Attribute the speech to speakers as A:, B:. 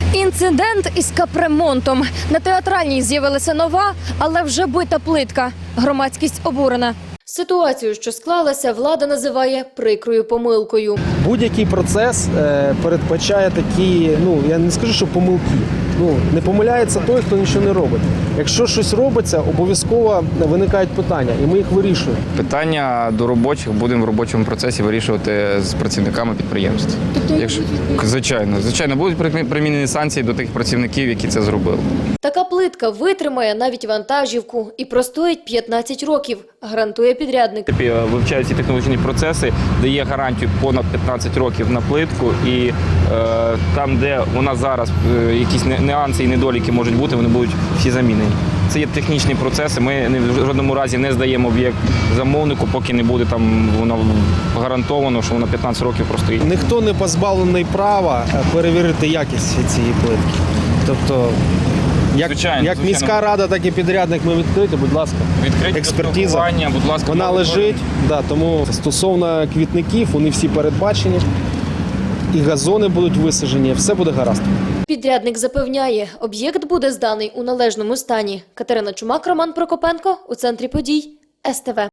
A: Інцидент із капремонтом. На Театральній з'явилася нова, але вже бита плитка. Громадськість обурена. Ситуацію, що склалася, влада називає прикрою помилкою.
B: Будь-який процес передбачає такі, я не скажу, що помилки. Не помиляється той, хто нічого не робить. Якщо щось робиться, обов'язково виникають питання, і ми їх вирішуємо.
C: Питання до робочих будемо в робочому процесі вирішувати з працівниками підприємств. Звичайно, будуть примінені санкції до тих працівників, які це зробили.
A: Така плитка витримає навіть вантажівку і простоїть 15 років, гарантує підрядник.
C: Вивчають ці технологічні процеси, дає гарантію понад 15 років на плитку, і там, де у нас зараз якісь нюанси і недоліки можуть бути, вони будуть всі замінені. Це є технічні процеси, ми в жодному разі не здаємо об'єкт замовнику, поки не буде там воно гарантовано, що воно 15 років простоїть.
B: Ніхто не позбавлений права перевірити якість цієї плитки. Тобто, як міська рада, так і підрядник ми відкриті, будь ласка. Експертиза,
C: будь ласка,
B: вона лежить, тому стосовно квітників, вони всі передбачені, і газони будуть висаджені, все буде гаразд.
A: Підрядник запевняє, об'єкт буде зданий у належному стані. Катерина Чумак, Роман Прокопенко. У центрі подій. СТВ.